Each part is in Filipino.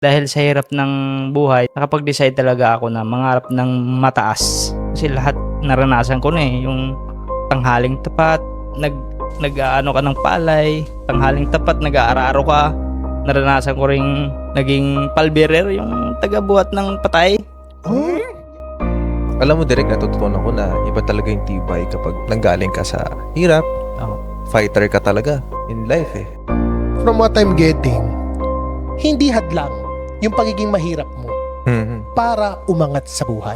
Dahil sa hirap ng buhay, nakapag-decide talaga ako na mangarap ng mataas. Kasi lahat naranasan ko na eh. Yung tanghaling tapat, nag-aano ka ng palay, tanghaling tapat, nag-aararo ka. Naranasan ko ring naging palbearer, yung taga-buhat ng patay. Alam mo, Direk, natutunan ko na iba talaga yung tibay kapag nanggaling ka sa hirap. Fighter ka talaga in life eh. From what I'm getting, hindi hadlang yung pagiging mahirap mo para umangat sa buhay.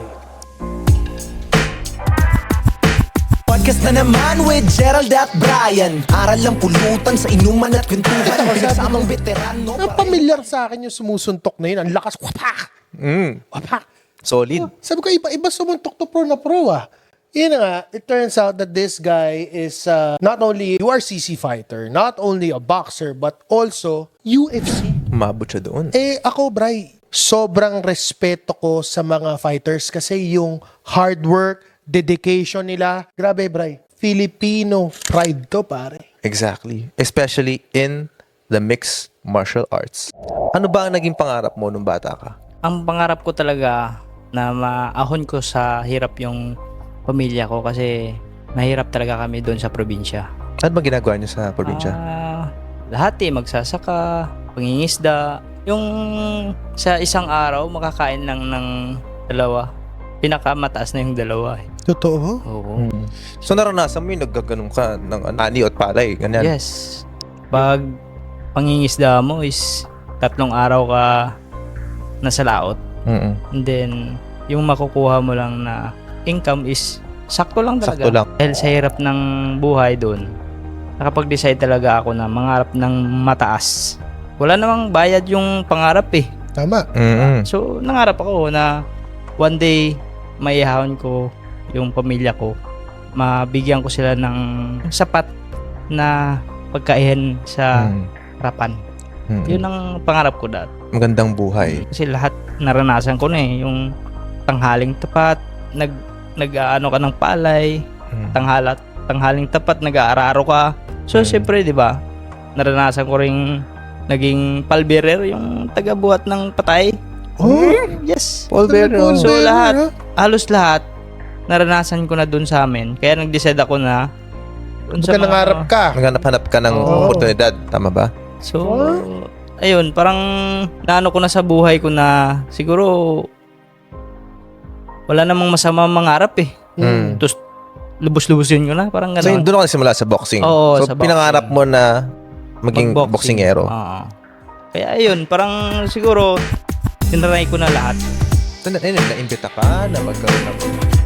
Podcast na naman with Gerald at Brian. Aral lang pulutan sa inuman at kwentuhan. Pinagsamang veterano. Pamilyar sa akin yung sumusuntok na yun. Ang lakas. Wapak! Wapak! Solid. Sabi ko, iba sumuntok to pro na pro ah. Yun na nga, it turns out that this guy is not only URCC fighter, not only a boxer, but also UFC. Umabot siya doon. Ako, Bray, sobrang respeto ko sa mga fighters kasi yung hard work, dedication nila, grabe, Bray. Filipino pride to, pare. Exactly. Especially in the mixed martial arts. Ano ba ang naging pangarap mo nung bata ka? Ang pangarap ko talaga na maahon ko sa hirap yung pamilya ko kasi mahirap talaga kami doon sa probinsya. Ano ba ginagawa niyo sa probinsya? Lahat mangisda, pangingisda. Yung sa isang araw makakain lang ng dalawa. Pinakamataas na yung dalawa eh. Totoo? Oo. So naranasan mo yung naggaganong ka ng ani at palay, ganyan? Yes. Pag pangingisda mo is 3 araw ka nasa laot. And then yung makukuha mo lang na income is sakto lang talaga. Sakto lang. Dahil sa hirap ng buhay doon, nakapag-decide talaga ako na mangarap ng mataas. Wala namang bayad yung pangarap eh. Tama. So nangarap ako na one day maihahon ko yung pamilya ko. Mabigyan ko sila ng sapat na pagkain sa harapan. Yun ang pangarap ko dati. Magandang buhay. Kasi lahat naranasan ko na eh. Yung tanghaling tapat, nag-aano ka ng palay, tanghaling tapat, nag-aararo ka. So, siyempre, di ba, naranasan ko ring naging palbearer, yung taga-buhat ng patay. Yes. Palbearer. So, halos lahat, naranasan ko na dun sa amin. Kaya nag-decide ako na dun sa Nangarap ka. Naghanap-hanap ka ng oportunidad. Tama ba? So, ayun, parang naano ko na sa buhay ko na siguro wala namang masama mangarap eh. Tapos lubos-lubosin ko na, parang So, gano'n. doon ka nagsimula sa boxing. Oo, so, sa pinangarap mo na maging Mag-boxing. boksingero. Oo. Kaya ayun, parang siguro tinry ko na lahat. So, na-imbita ka na magkaroon ng